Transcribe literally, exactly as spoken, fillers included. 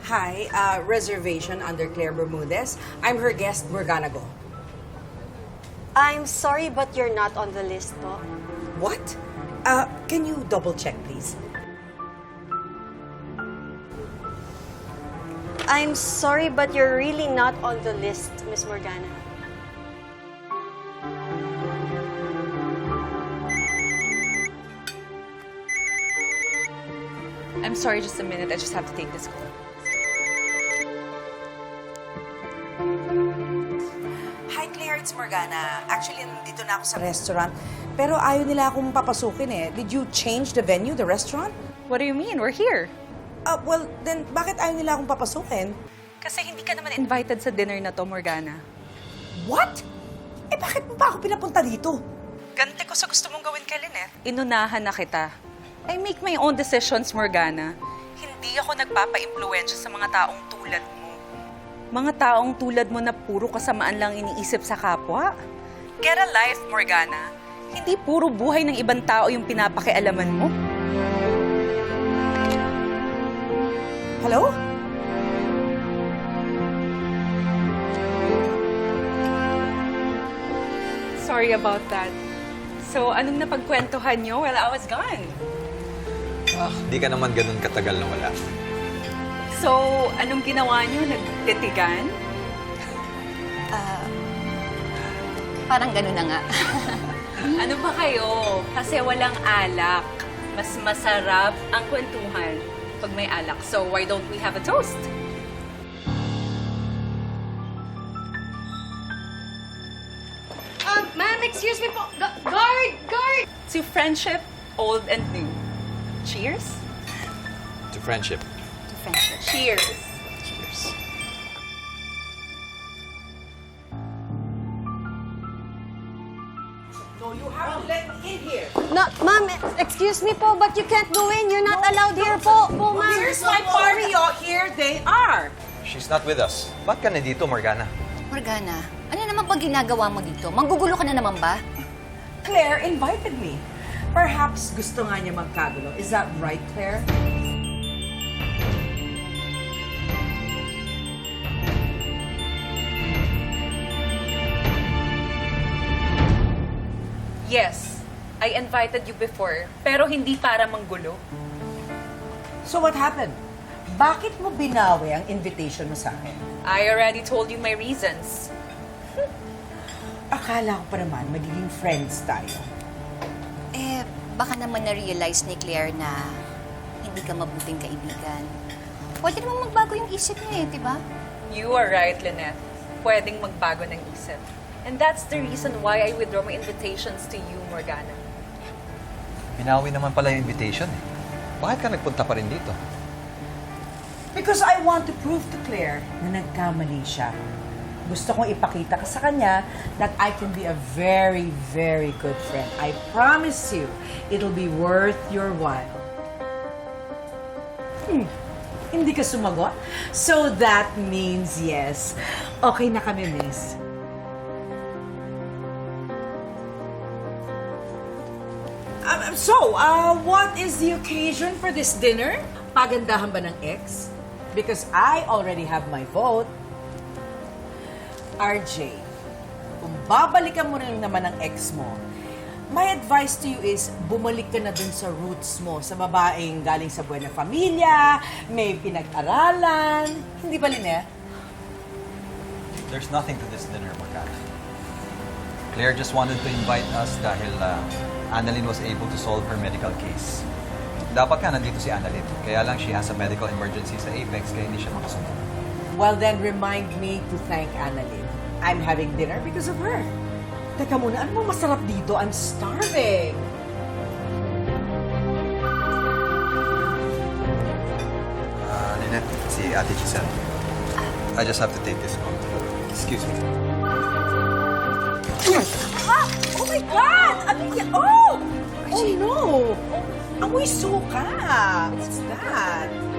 Hi, uh, reservation under Claire Bermudez. I'm her guest, Morgana Go. I'm sorry, but you're not on the list po. What? Uh, can you double check, please? I'm sorry, but you're really not on the list, Miss Morgana. I'm sorry, just a minute. I just have to take this call. Hi, Claire. It's Morgana. Actually, nandito na ako sa restaurant. Pero ayaw nila akong papasukin eh. Did you change the venue, the restaurant? What do you mean? We're here. Uh, well, then bakit ayaw nila akong papasukin? Kasi hindi ka naman invited sa dinner na to, Morgana. What? Eh, bakit mo pa ako pinapunta dito? Ganti ko sa gusto mong gawin kay Lynette. Inunahan na kita. I make my own decisions, Morgana. Hindi ako nagpapa-impluwensya sa mga taong tulad mo. Mga taong tulad mo na puro kasamaan lang iniisip sa kapwa. Get a life, Morgana. Hindi puro buhay ng ibang tao yung pinapakialaman mo. Hello? Sorry about that. So, anong napagkwentuhan nyo while I was gone? Ah, di ka naman ganun katagal na wala. So, anong ginawa nyo? Nagtitigan? Parang gano'n na nga. Ano ba kayo? Kasi walang alak. Mas masarap ang kwentuhan pag may alak. So, why don't we have a toast? Um, ma'am, excuse me po. Gu- guard! Guard! To friendship, old and new. Cheers? To friendship. To friendship. Cheers! Cheers. No, you have to let me in here. No, ma'am, excuse me po, but you can't go in. You're not allowed here po, po, ma'am. Here's my party, oh. Here they are. She's not with us. Ba't ka nandito, Morgana? Morgana, ano naman pag ginagawa mo dito? Manggugulo ka na naman ba? Claire invited me. Perhaps gusto nga niya magkagulo. Is that right, Claire? Yes, I invited you before, pero hindi para manggulo. So what happened? Bakit mo binawi ang invitation mo sa akin? I already told you my reasons. Akala ko pa naman magiging friends tayo. Eh, baka naman na-realize ni Claire na hindi ka mabuting kaibigan. Pwede naman magbago yung isip niya eh, di ba? You are right, Lynette. Pwedeng magbago ng isip. And that's the reason why I withdraw my invitations to you, Morgana. Binawi naman pala yung invitation eh. Bakit ka nagpunta pa rin dito? Because I want to prove to Claire na nagkamali siya. Gusto kong ipakita ka sa kanya that I can be a very, very good friend. I promise you, it'll be worth your while. Hmm. Hindi ka sumagot? So that means yes. Okay na kami, miss. Um, so, uh, what is the occasion for this dinner? Pagandahan ba ng ex? Because I already have my vote. R J, kung babalikan mo rin naman ang ex mo, my advice to you is bumalik ka na dun sa roots mo, sa babaeng galing sa buena familia, may pinag-aralan. Hindi ba, Lynette? There's nothing to this dinner, Morgana. Claire just wanted to invite us dahil uh, Annalyn was able to solve her medical case. Dapat ka nandito si Annalyn. Kaya lang she has a medical emergency sa Apex kaya hindi siya makasunod. Well, then remind me to thank Annalyn. I'm having dinner because of her. Teka muna, ano bang masarap dito? I'm starving. Uh, Lynette, si Ate Giselle. I just have to take this call. Excuse me. Ah! Oh my God! Ano yan? Oh! Oh no! Amoy suka! What's that?